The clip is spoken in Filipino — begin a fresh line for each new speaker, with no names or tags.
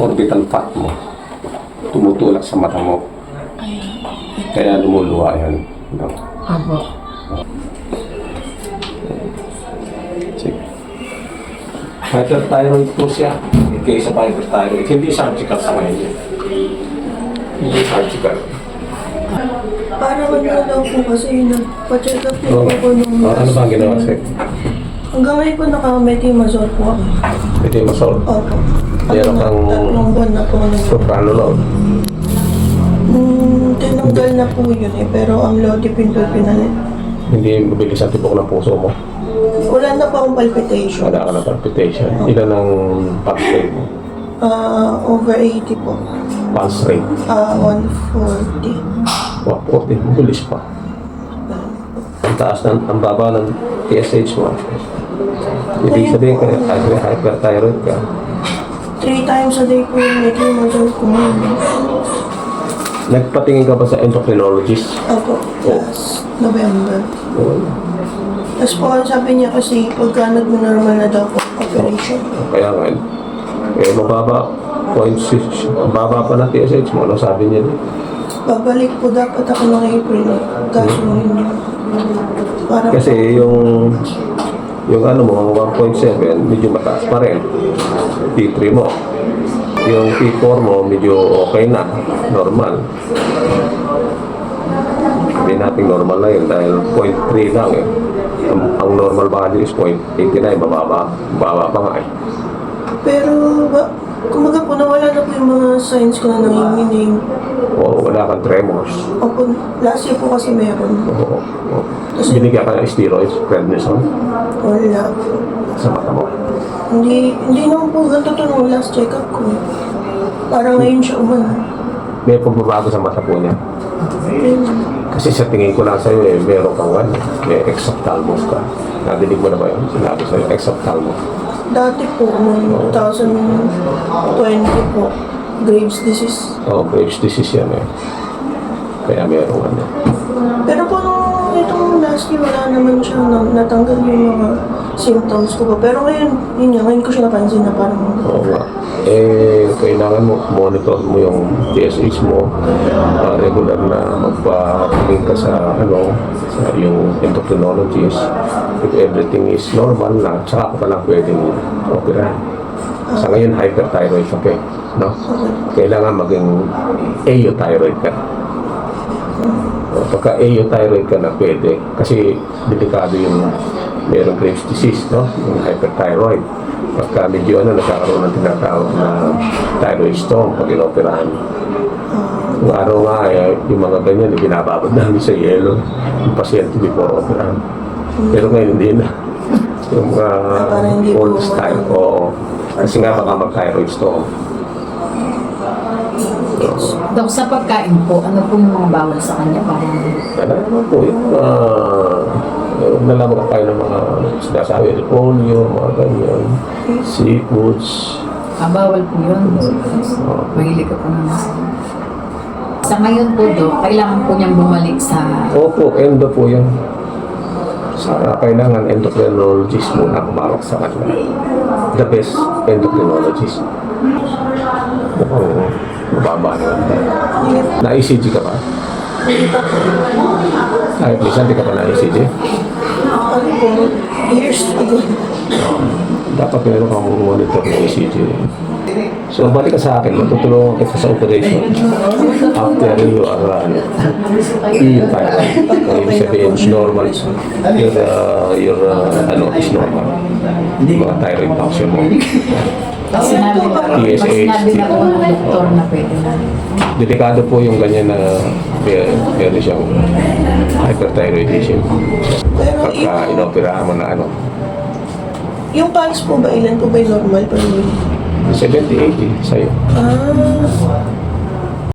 orbital fat mo tumutulak sa mata mo. Kaya lumuluwa yan. No?
Abo.
Sige. Hyperthyroid po siya. Kaysa hyperthyroid. Hindi surgical sa ngayon. Hindi surgical.
Parang ano daw po kasi nagpa-check up din po nung
Ano ba ang ginawa sa'yo?
hanggang ngayon po naka-metimazole po ako.
Metimazole?
Opo.
Meron kang
Tatlong buwan na po.
propranolol.
Tinanggal na po yun eh, pero ang lodipin po pinalit.
Hindi mabilis ang tibok ng puso mo.
Wala na po akong palpitation.
Wala ka ng palpitation. Ilan ang pulse rate mo?
Over 80 po.
Pulse rate?
140.
40. Mabilis pa. Ang taas ng, ang baba ng TSH mo. Ibig sabihin ka, hyperthyroid ka.
3 times a day po yung metimazole ko.
Nagpatingin ka ba sa endocrinologist?
Opo, last November. Tapos po, sabi niya kasi pagka nag-normal na daw po operation.
Kaya nga, mababa, 0.6, mababa pa na TSH mo, ano sabi niya din?
Babalik po dapat ako ng April. Kaso hindi. Parang
Kasi yung ano mo, 1.7, medyo mataas pa rin. T3 mo. Yung T4 mo, medyo okay na, normal. Hindi natin normal na yun dahil 0.3 lang eh. Ang normal value is 0.89, bababa pa nga eh.
Pero, kumaga po, nawala na po yung mga signs ko na nanginginig.
O wala kang tremors.
Opo, last year po kasi meron.
Oo. Binigyan ka ng steroids, prednisone,
Wala.
sa mata mo.
Hindi naman po ganito to nung last check-up ko. Parang ngayon siya umano.
May pagbabago sa mata po niya. Kasi sa tingin ko lang sa'yo eh, meron kang ano, may exophthalmos ka. Nadinig mo na ba yun? Sinabi sa'yo, exophthalmos.
Dati po, noong 2020 po, Graves' disease.
Oo, Graves' disease yan eh. Kaya meron ano.
Pero po nung itong last year, wala naman siya natanggal yung mga symptoms ko po. Pero ngayon, yun nga, ngayon ko siya napansin na parang
Oo nga. Kailangan mo monitor mo yung TSH mo, regular na magpa-tingin ka sa sa yung endocrinologist. If everything is normal na, tsaka ka lang pwedeng opera. Sa ngayon, hyperthyroid ka pa, no? Kailangan maging euthyroid ka. Pagka euthyroid ka na pwede, kasi delikado yung merong Graves' disease, no? Yung hyperthyroid. Pagka medyo nagkakaroon ng tinatawag na thyroid storm pag inoperahan. Yung araw nga, yung mga ganyan, binababad namin sa yelo yung pasyente before operahan. Pero ngayon hindi na. Yung mga old style, oo. Kasi nga baka mag-thyroid storm.
Dok, sa pagkain po, ano po yung mga bawal sa kanya? Parang
Ano naman po, yung nalaman ka tayo ng mga sinasabi, polio, mga ganyan, seafoods.
bawal po yun. Mahilig ka po naman. Sa ngayon po, Dok, kailangan po niyang bumalik sa...
Opo, endo po yan. Kailangan endocrinologist muna kumarok sa kanila. The best endocrinologist. Mukhang mababa na yun. Na-ECG ka ba? Kahit minsan di ka pa na-ECG?
ano po, years ago.
Dapat meron kang monitor ng ECG. So, balik ka sa akin, matutulungan kita sa operation after you are E-thyroid. Ibig sabihin, normal. Your is normal. Mga thyroid function mo.
Sinabi na po ng doktor na pwede na.
Delikado po yung ganyan na meron siyang hyperthyroidism. Pagka inoperahan mo na
Yung pulse po ba, ilan po ba yung normal pa rin?
70-80 sa'yo.